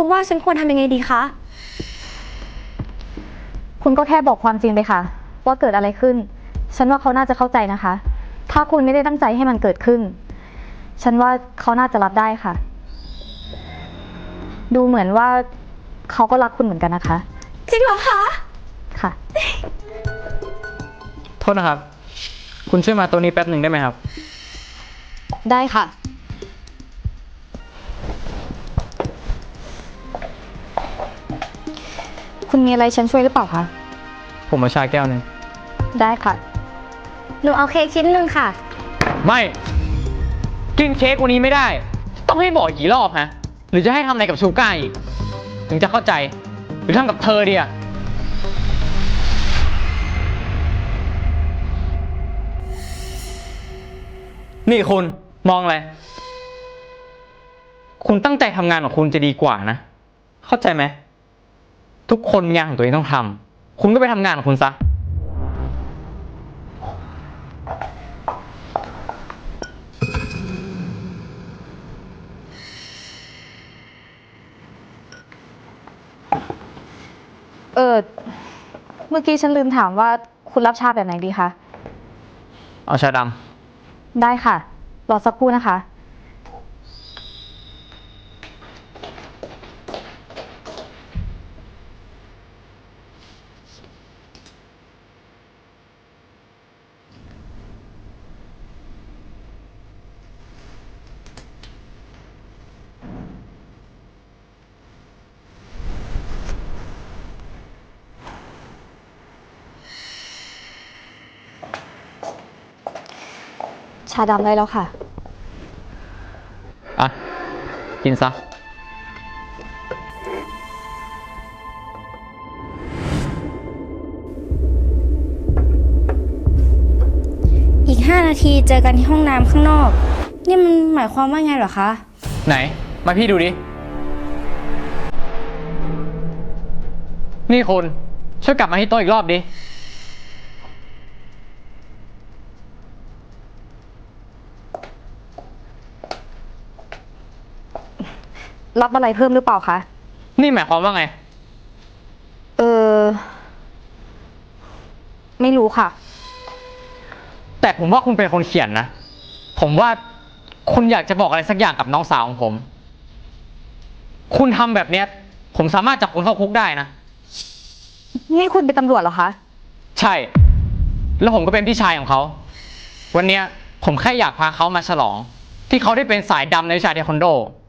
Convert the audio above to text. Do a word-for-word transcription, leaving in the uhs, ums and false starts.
คุณว่าฉันควรทำยังไงดีคะคุณก็แค่บอกความจริงไปค่ะว่าเกิดอะไรขึ้นฉันว่าเขาน่าจะเข้าใจนะคะ ถ้าคุณไม่ได้ตั้งใจให้มันเกิดขึ้นฉันว่าเขาน่าจะรับได้ค่ะ ดูเหมือนว่าเขาก็รักคุณเหมือนกันนะคะจริงเหรอคะค่ะโทษนะครับคุณช่วยมาตัวนี้แป๊บหนึ่งได้ไหมครับได้ค่ะ คุณมีอะไรฉันช่วยหรือเปล่าคะผมมาชาแก้วหนึ่งได้ค่ะหนูเอาเค้กชิ้นหนึ่งค่ะไม่กินเค้กวันนี้ไม่ได้ต้องให้บอกกี่รอบฮะหรือจะให้ทำอะไรกับชูก้าอีกถึงจะเข้าใจหรือทำกับเธอดีอะนี่คุณมองอะไรคุณตั้งใจทำงานของคุณจะดีกว่านะเข้าใจไหมทุกคนมีงานของตัวเองต้องทำคุณก็ไปทำงานของคุณซะเออเมื่อกี้ฉันลืมถามว่าคุณรับชาแบบไหนดีคะเอาชาดำได้ค่ะ รอสักครู่นะคะ ชาดำได้แล้วค่ะอ่ะกินซะอีกห้านาทีเจอกันที่ห้องน้ำข้างนอกนี่มันหมายความว่าไงเหรอคะไหนมาพี่ดูดินี่คุณช่วยกลับมาที่โต๊ะอีกรอบดิรับอะไรเพิ่มหรือเปล่าคะนี่หมายความว่าไงเออ ไม่รู้ค่ะแต่ผมว่าคุณเป็นคนเขียนนะผมว่าคุณอยากจะบอกอะไรสักอย่างกับน้องสาวของผม คุณทำแบบเนี้ยผมสามารถจับคุณเข้าคุกได้นะนี่คุณเป็นตำรวจเหรอคะใช่ แล้วผมก็เป็นพี่ชายของเขา วันเนี้ยผมแค่อยากพาเขามาฉลอง ที่เขาได้เป็นสายดำในวิชาเทควันโด